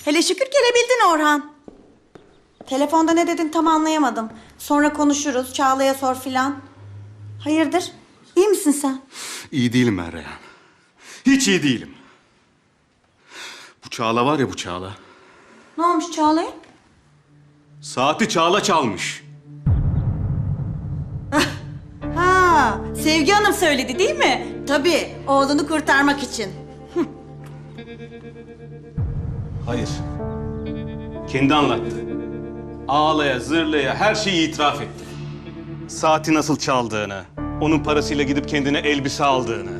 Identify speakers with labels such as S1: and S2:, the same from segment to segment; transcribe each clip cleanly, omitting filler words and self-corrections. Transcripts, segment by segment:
S1: Hele şükür gelebildin Orhan. Telefonda ne dedin tam anlayamadım. Sonra konuşuruz, Çağla'ya sor filan. Hayırdır? İyi misin sen?
S2: İyi değilim ben Reyhan. Hiç iyi değilim. Bu Çağla var ya, bu Çağla.
S1: Ne olmuş Çağla'ya?
S2: Saati Çağla çalmış.
S1: Ha, Sevgi Hanım söyledi değil mi? Tabii, oğlunu kurtarmak için.
S2: Hayır. Kendi anlattı. Ağlaya zırlaya her şeyi itiraf etti. Saati nasıl çaldığını, onun parasıyla gidip kendine elbise aldığını.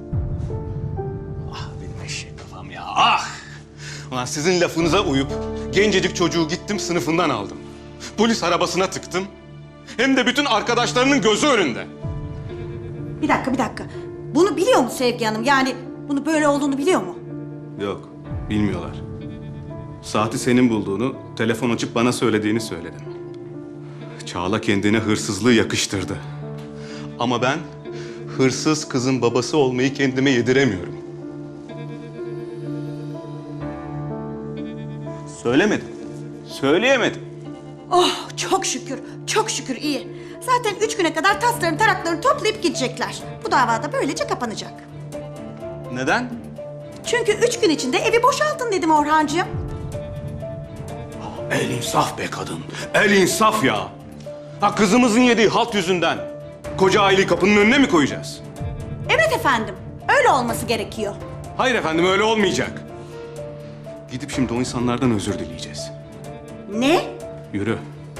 S2: Ah benim eşek kafam ya, ah! Ulan sizin lafınıza uyup gencecik çocuğu gittim sınıfından aldım. Polis arabasına tıktım. Hem de bütün arkadaşlarının gözü önünde.
S1: Bir dakika. Bunu biliyor mu Sevgi Hanım? Yani bunu böyle olduğunu biliyor mu?
S2: Yok, bilmiyorlar. Saati senin bulduğunu, telefon açıp bana söylediğini söyledim. Çağla kendine hırsızlığı yakıştırdı. Ama ben hırsız kızın babası olmayı kendime yediremiyorum. Söylemedim. Söyleyemedim.
S1: Oh çok şükür iyi. Zaten 3 güne kadar taslarını taraklarını toplayıp gidecekler. Bu davada böylece kapanacak.
S2: Neden?
S1: Çünkü 3 gün içinde evi boşaltın dedim Orhancığım.
S2: El insaf be kadın. El insaf ya. Ha, kızımızın yediği halt yüzünden koca aileyi kapının önüne mi koyacağız?
S1: Evet efendim, öyle olması gerekiyor.
S2: Hayır efendim, öyle olmayacak. Gidip şimdi o insanlardan özür dileyeceğiz.
S1: Ne?
S2: Yürü.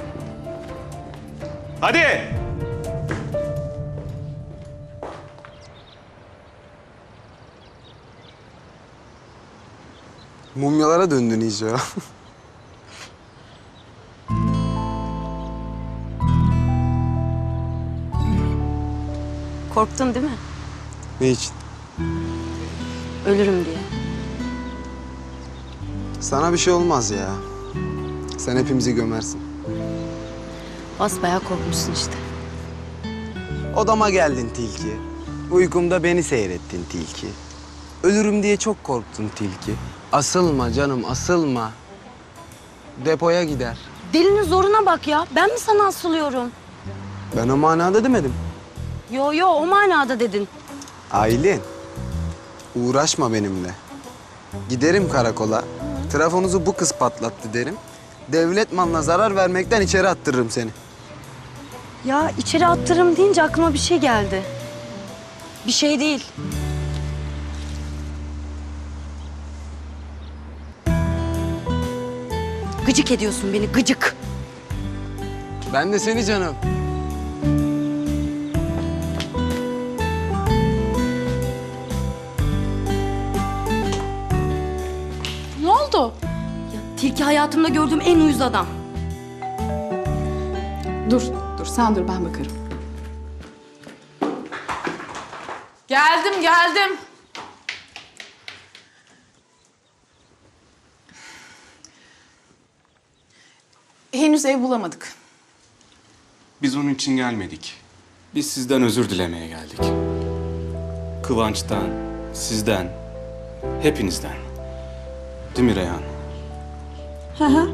S2: Hadi!
S3: Mumyalara döndün iyice ya.
S4: Korktun değil mi?
S3: Ne için?
S4: Ölürüm diye.
S3: Sana bir şey olmaz ya. Sen hepimizi gömersin.
S4: Basbayağı korkmuşsun işte.
S3: Odama geldin tilki. Uykumda beni seyrettin tilki. Ölürüm diye çok korktun tilki. Asılma canım, asılma. Depoya gider.
S4: Dilinin zoruna bak ya. Ben mi sana asılıyorum?
S3: Ben o manada demedim.
S4: Yo o manada dedin.
S3: Aylin, uğraşma benimle. Giderim karakola. Trafonuzu bu kız patlattı derim. Devlet malına zarar vermekten içeri attırırım seni.
S4: Ya içeri attırırım deyince aklıma bir şey geldi. Bir şey değil. Gıcık ediyorsun beni, gıcık.
S3: Ben de seni canım.
S5: Ne oldu?
S4: Ya, tilki hayatımda gördüğüm en uyuz adam.
S5: Dur sen dur ben bakarım. Geldim. Henüz ev bulamadık.
S2: Biz onun için gelmedik. Biz sizden özür dilemeye geldik. Kıvanç'tan, sizden, hepinizden. Değil mi Reyhan?
S1: Hı.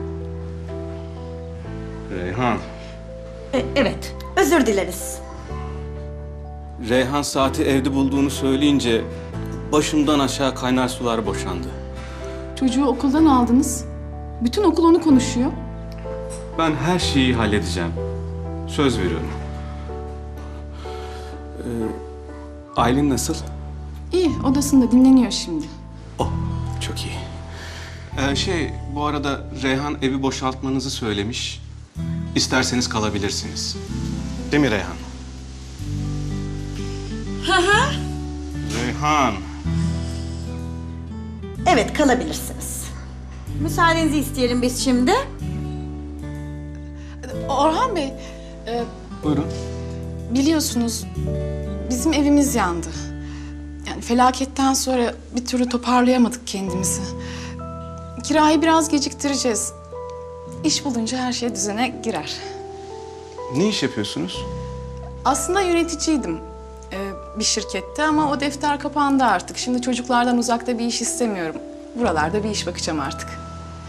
S2: Reyhan.
S1: Evet, özür dileriz.
S2: Reyhan saati evde bulduğunu söyleyince başımdan aşağı kaynar sular boşandı.
S5: Çocuğu okuldan aldınız. Bütün okul onu konuşuyor.
S2: Ben her şeyi halledeceğim. Söz veriyorum. Aylin nasıl?
S5: İyi, odasında dinleniyor şimdi.
S2: Oh, çok iyi. Bu arada Reyhan evi boşaltmanızı söylemiş. İsterseniz kalabilirsiniz. Değil mi Reyhan? Reyhan.
S1: Evet, kalabilirsiniz. Müsaadenizi isteyelim biz şimdi.
S5: Orhan Bey,
S2: Buyurun.
S5: biliyorsunuz bizim evimiz yandı. Yani felaketten sonra bir türlü toparlayamadık kendimizi. Kirayı biraz geciktireceğiz. İş bulunca her şey düzene girer.
S2: Ne iş yapıyorsunuz?
S5: Aslında yöneticiydim bir şirkette ama o defter kapandı artık. Şimdi çocuklardan uzakta bir iş istemiyorum. Buralarda bir iş bakacağım artık.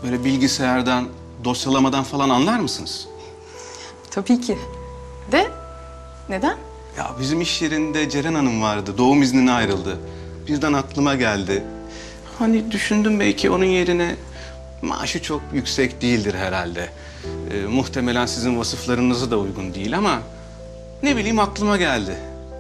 S2: böyle bilgisayardan, dosyalamadan falan anlar mısınız?
S5: Tabii ki. De neden?
S2: Ya bizim iş yerinde Ceren Hanım vardı. Doğum iznine ayrıldı. Birden aklıma geldi. Hani düşündüm belki onun yerine maaşı çok yüksek değildir herhalde. Muhtemelen sizin vasıflarınıza da uygun değil ama ne bileyim aklıma geldi.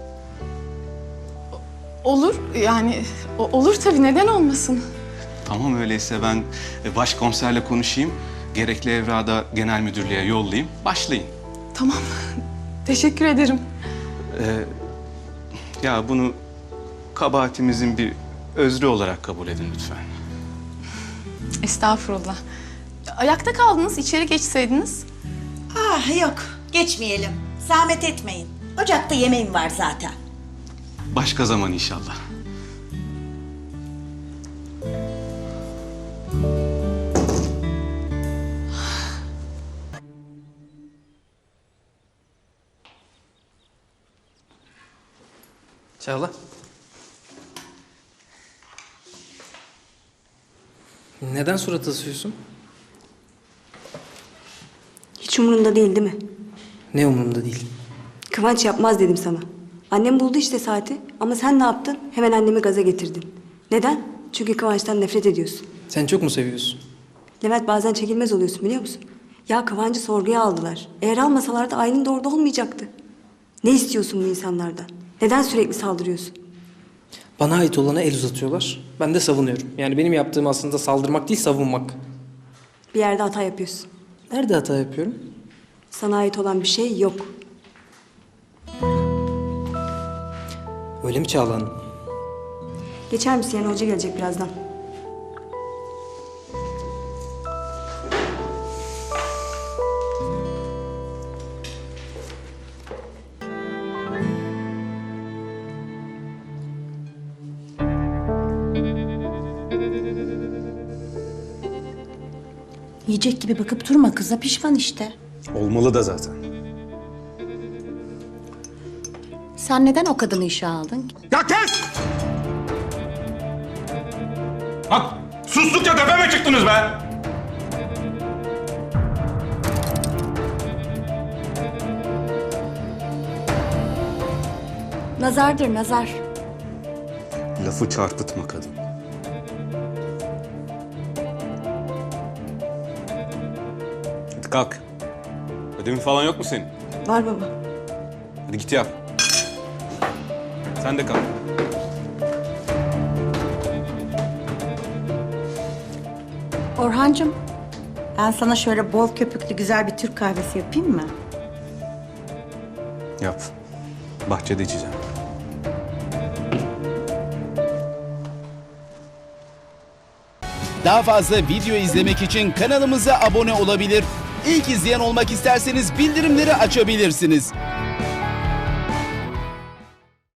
S5: Olur yani olur tabii, neden olmasın?
S2: Tamam öyleyse ben başkomiserle konuşayım. Gerekli evrağı da genel müdürlüğe yollayayım. Başlayın.
S5: Tamam. Teşekkür ederim.
S2: Ya bunu kabahatimizin bir özrü olarak kabul edin lütfen.
S5: Estağfurullah. Ayakta kaldınız, içeri geçseydiniz.
S1: Ah yok, geçmeyelim. Zahmet etmeyin. Ocakta yemeğim var zaten.
S2: Başka zaman inşallah.
S6: Çağla. Neden surat asıyorsun?
S4: Hiç umurunda değil mi?
S6: Ne umurumda değil.
S4: Kıvanç yapmaz dedim sana. Annem buldu işte saati ama sen ne yaptın? Hemen annemi gaza getirdin. Neden? Çünkü Kıvanç'tan nefret ediyorsun.
S6: Sen çok mu seviyorsun?
S4: Levent bazen çekilmez oluyorsun biliyor musun? Ya Kıvanç'ı sorguya aldılar. Eğer almasalardı Aylin de orada olmayacaktı. Ne istiyorsun bu insanlardan? Neden sürekli saldırıyorsun?
S6: Bana ait olana el uzatıyorlar. Ben de savunuyorum. Yani benim yaptığım aslında saldırmak değil, savunmak.
S4: Bir yerde hata yapıyorsun.
S6: Nerede hata yapıyorum?
S4: Sana ait olan bir şey yok.
S6: Öyle mi Çağla Hanım?
S4: Geçer misin? Yani hoca gelecek birazdan.
S1: Yiyecek gibi bakıp durma kıza, pişman işte.
S2: Olmalı da zaten.
S1: Sen neden o kadını işe aldın?
S2: Ya kes! Bak sustukça tepeme çıktınız be!
S1: Nazardır nazar.
S2: Lafı çarpıtma kadın. Hadi kalk. Ödevin falan yok mu senin?
S4: Var baba.
S2: Hadi git yap. Sen de kalk.
S1: Orhancığım, ben sana şöyle bol köpüklü güzel bir Türk kahvesi yapayım mı?
S2: Yap. Bahçede içeceğim.
S7: Daha fazla video izlemek için kanalımıza abone olabilir. İlk izleyen olmak isterseniz bildirimleri açabilirsiniz.